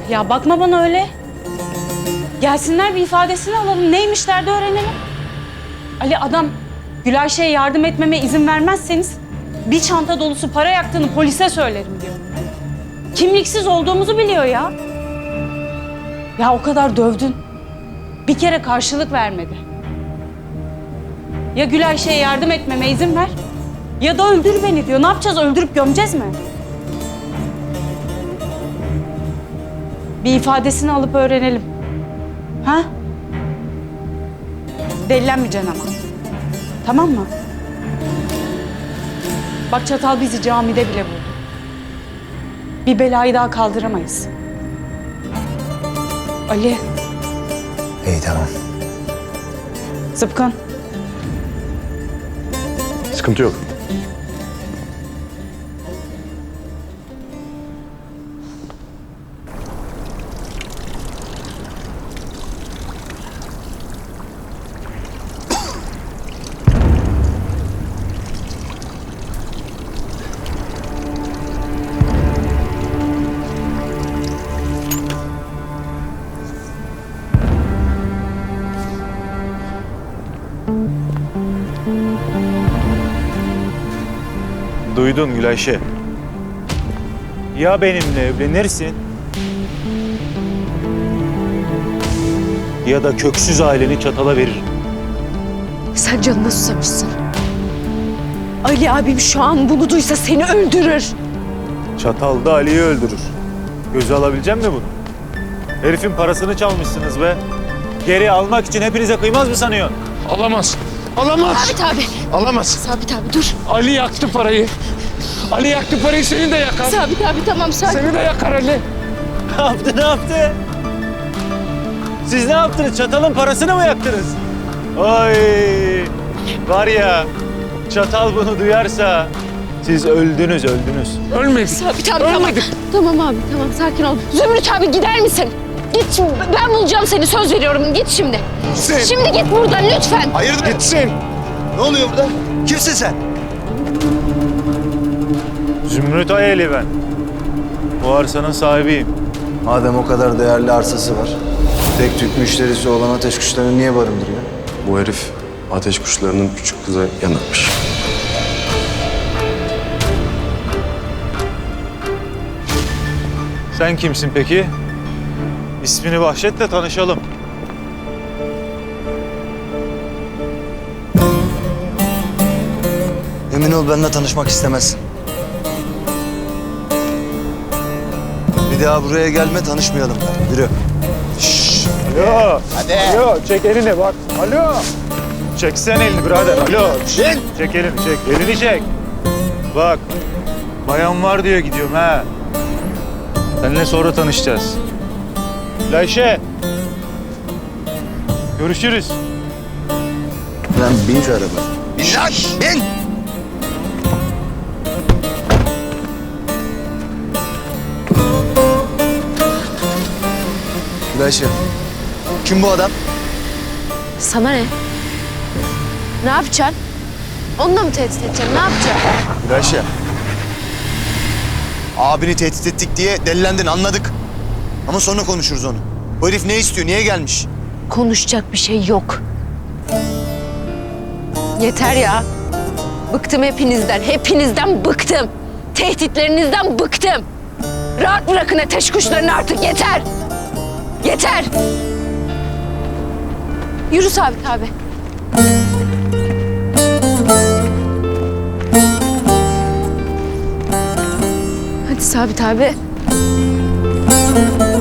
Ya bakma bana öyle. Gelsinler bir ifadesini alalım. Neymiş derdi öğrenelim. Ali adam Gülayşe'ye yardım etmeme izin vermezseniz bir çanta dolusu para yaktığını polise söylerim diyor. Kimliksiz olduğumuzu biliyor ya. Ya o kadar dövdün. Bir kere karşılık vermedi. Ya Gülayşe'ye yardım etmeme izin ver ya da öldür beni diyor. Ne yapacağız? Öldürüp gömeceğiz mi? Bir ifadesini alıp öğrenelim. Ha? Delilenmeyeceksin ama. Tamam mı? Bak Çatal bizi camide bile buldu. Bir belayı daha kaldıramayız. Ali. İyi tamam. Zıpkın. Sıkıntı yok. Duydun Gülayşe. Ya benimle evlenirsin ya da köksüz aileni Çatal'a veririm. Sen canına susamışsın. Ali abim şu an bunu duysa seni öldürür. Çatal da Ali'yi öldürür. Göze alabilecek mi bunu? Herifin parasını çalmışsınız be. Geri almak için hepinize kıymaz mı sanıyorsun? Alamaz. Alamaz. Sabit abi. Alamaz. Sabit abi dur. Ali yaktı parayı. Ali yaktı parayı, seni de yakar. Sabit abi tamam sakin. Seni de yakar Ali. Ne yaptı? Siz ne yaptınız? Çatal'ın parasını mı yaktınız? Ay, var ya, Çatal bunu duyarsa siz öldünüz. Ölmedik. Sabit abi tamam. Ölmedik. Tamam abi tamam sakin ol. Zümrüt abi gider misin? Git şimdi. Ben bulacağım seni söz veriyorum. Git şimdi. Gitsin. Şimdi git buradan lütfen. Hayırdır? Gitsin. Ne oluyor burada? Kimsin sen? Zümrüt Ayeli ben. Bu arsanın sahibiyim. Madem o kadar değerli arsası var, tek tük müşterisi olan ateş kuşlarını niye barındırıyor? Bu herif ateş kuşlarının küçük kıza yanıkmış. Sen kimsin peki? İsmini bahşet de tanışalım. Emin ol benimle tanışmak istemezsin. Bir daha buraya gelme, tanışmayalım. Yürü. Alo. Hadi. Alo, çek elini bak. Alo. Çeksen elini birader. Alo. Çek elini, çek. Elini çek. Bak. Bayan var diye gidiyorum ha. Seninle sonra tanışacağız. Gülayşe. Görüşürüz. Lan bin şu araba. Bin lan, bin! Gülayşe, kim bu adam? Sana ne? Ne yapacaksın? Onunla mı tehdit edeceksin? Ne yapacaksın? Gülayşe. Abini tehdit ettik diye delilendin, anladık. Ama sonra konuşuruz onu. Bu herif ne istiyor, niye gelmiş? Konuşacak bir şey yok. Yeter ya. Bıktım hepinizden. Hepinizden bıktım. Tehditlerinizden bıktım. Rahat bırakın ateş kuşlarını artık. Yeter. Yeter. Yürü Sabit abi. Hadi Sabit abi.